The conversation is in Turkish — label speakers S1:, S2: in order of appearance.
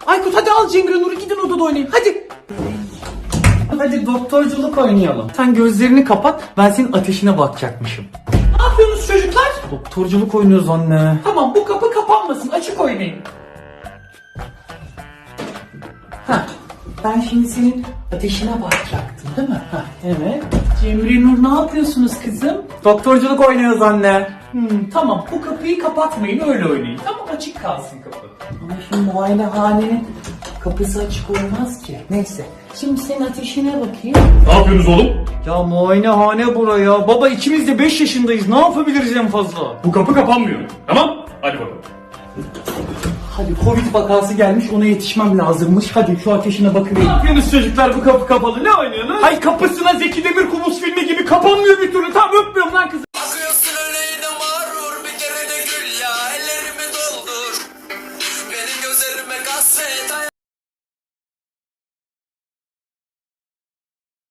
S1: Aykut hadi al Cemre Nur'u gidin odada oynayın hadi. Hadi doktorculuk oynayalım. Sen gözlerini kapat, ben senin ateşine bakacakmışım. Ne yapıyorsunuz çocuklar? Doktorculuk oynuyoruz anne. Tamam, bu kapı kapanmasın, açık oynayın. Heh, ben şimdi senin ateşine bakacaktım değil mi? Heh, evet. Cemre Nur ne yapıyorsunuz kızım? Doktorculuk oynuyoruz anne. Tamam, bu kapıyı kapatmayın, öyle oynayın. Tamam, açık kalsın kapı. Ama şimdi muayenehanenin kapısı açık olmaz ki. Neyse, şimdi senin ateşine bakayım.
S2: Ne yapıyorsunuz oğlum?
S1: Ya muayenehane buraya. Baba ikimiz de 5 yaşındayız. Ne yapabiliriz en fazla?
S2: Bu kapı kapanmıyor. Tamam? Hadi bakalım.
S1: Hadi Covid vakası gelmiş, ona yetişmem lazımmış. Hadi şu ateşine bakıvereyim. Ne yapıyorsunuz çocuklar, bu kapı kapalı, ne oynuyorsunuz? Hay kapısına Zeki Demirkubuz filmi gibi kapanmıyor bir türlü. Tamam, öpmüyorum lan kızı.